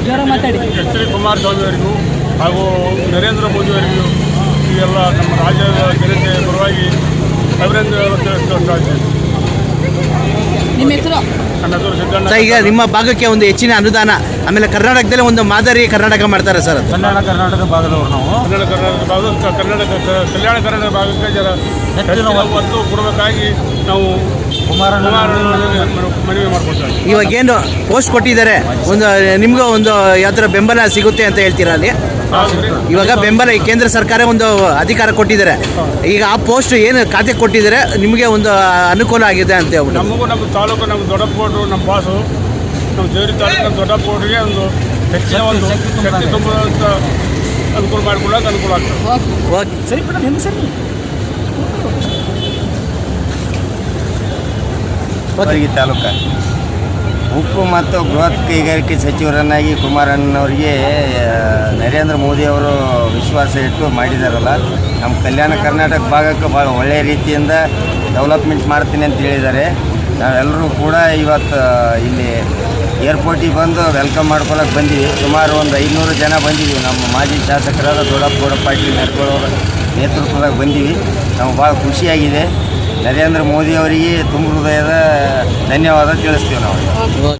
H D Kumaraswamy ಅವರಿಗೂ ಹಾಗೂ ನರೇಂದ್ರ ಮೋದಿ ಅವರಿಗೂ ಈ ಎಲ್ಲ ನಮ್ಮ ರಾಜ್ಯದ ಜನತೆ ಪರವಾಗಿ ಅಭಿನಂದನೆ. ನಿಮ್ಮ ಹೆಸರು? ನನ್ನ ಹೆಸರು ಸಿದ್ದಣ್ಣ. ಈಗ ನಿಮ್ಮ ಭಾಗಕ್ಕೆ ಒಂದು ಹೆಚ್ಚಿನ ಅನುದಾನ, ಆಮೇಲೆ ಕರ್ನಾಟಕದಲ್ಲಿ ಒಂದು ಮಾದರಿ ಕರ್ನಾಟಕ ಮಾಡ್ತಾರೆ ಸರ್. ಕರ್ನಾಟಕ ಭಾಗದವರು ನಾವು ಕಲ್ಯಾಣ ಕರ್ನಾಟಕ ಭಾಗಕ್ಕೆ ಜರ ಹೆಚ್ಚಿನ ಒತ್ತು ಕೊಡಬೇಕಾಗಿ ನಾವು ಮನವಿ ಮಾಡ್ಕೊಳ್ತಾರೆ. ಇವಾಗ ಏನು ಪೋಸ್ಟ್ ಕೊಟ್ಟಿದ್ದಾರೆ, ಒಂದು ನಿಮಗೂ ಒಂದು ಯಾವ ಥರ ಬೆಂಬಲ ಸಿಗುತ್ತೆ ಅಂತ ಹೇಳ್ತೀರಾ ಅಲ್ಲಿ? ಇವಾಗ ಬೆಂಬಲ ಕೇಂದ್ರ ಸರ್ಕಾರ ಒಂದು ಅಧಿಕಾರ ಕೊಟ್ಟಿದ್ದಾರೆ, ಈಗ ಆ ಪೋಸ್ಟ್ ಏನು ಖಾತೆ ಕೊಟ್ಟಿದ್ದಾರೆ ನಿಮಗೆ ಒಂದು ಅನುಕೂಲ ಆಗಿದೆ ಅಂತ ಹೇಳ್ಬಿಟ್ಟು. ನಮಗೂ ನಮ್ಮ ತಾಲೂಕು, ನಮ್ಮ ದೊಡ್ಡಪ್ಪೋಡ್ರು, ನಮ್ಮ ಬಾಸು, ನಮ್ಮ ಜೇವರಿ ತಾಲೂಕು ದೊಡ್ಡಪ್ಪೋಡ್ರಿಗೆ ಒಂದು ಹೆಚ್ಚಿನ ಒಂದು ಶಕ್ತಿ ತುಂಬುವಂಥ ಅನುಕೂಲ ಮಾಡಿಕೊಳ್ಳೋಕೆ ಅನುಕೂಲ ಆಗ್ತದೆ. ಓಕೆ ಸರಿ ಮೇಡಮ್, ಹೆಂಗೆ ಸರಿ ಕಲಬುರಗಿ ತಾಲೂಕು ಉಕ್ಕು ಮತ್ತು ಬೃಹತ್ ಕೈಗಾರಿಕೆ ಸಚಿವರನ್ನಾಗಿ ಕುಮಾರಣ್ಣವರಿಗೆ ನರೇಂದ್ರ ಮೋದಿ ಅವರು ವಿಶ್ವಾಸ ಇಟ್ಟು ಮಾಡಿದಾರಲ್ಲ, ನಮ್ಮ ಕಲ್ಯಾಣ ಕರ್ನಾಟಕ ಭಾಗಕ್ಕೆ ಭಾಳ ಒಳ್ಳೆಯ ರೀತಿಯಿಂದ ಡೆವಲಪ್ಮೆಂಟ್ ಮಾಡ್ತೀನಿ ಅಂತ ಹೇಳಿದ್ದಾರೆ. ನಾವೆಲ್ಲರೂ ಕೂಡ ಇವತ್ತು ಇಲ್ಲಿ ಏರ್ಪೋರ್ಟಿಗೆ ಬಂದು ವೆಲ್ಕಮ್ ಮಾಡ್ಕೊಳಕ್ಕೆ ಬಂದೀವಿ. ಸುಮಾರು ಒಂದು 500 ಜನ ಬಂದಿದ್ದೀವಿ. ನಮ್ಮ ಮಾಜಿ ಶಾಸಕರಾದ ದೊಡ್ಡಪ್ಪ ಪಾಟೀಲ್ ನೆರ್ಕೊಳ್ಳೋರ ನೇತೃತ್ವದಾಗ ಬಂದೀವಿ. ನಮ್ಗೆ ಭಾಳ ಖುಷಿಯಾಗಿದೆ. ನರೇಂದ್ರ ಮೋದಿ ಅವರಿಗೆ ತುಂಬ ಹೃದಯದ ಧನ್ಯವಾದ ತಿಳಿಸ್ತೀವಿ ನಾವು.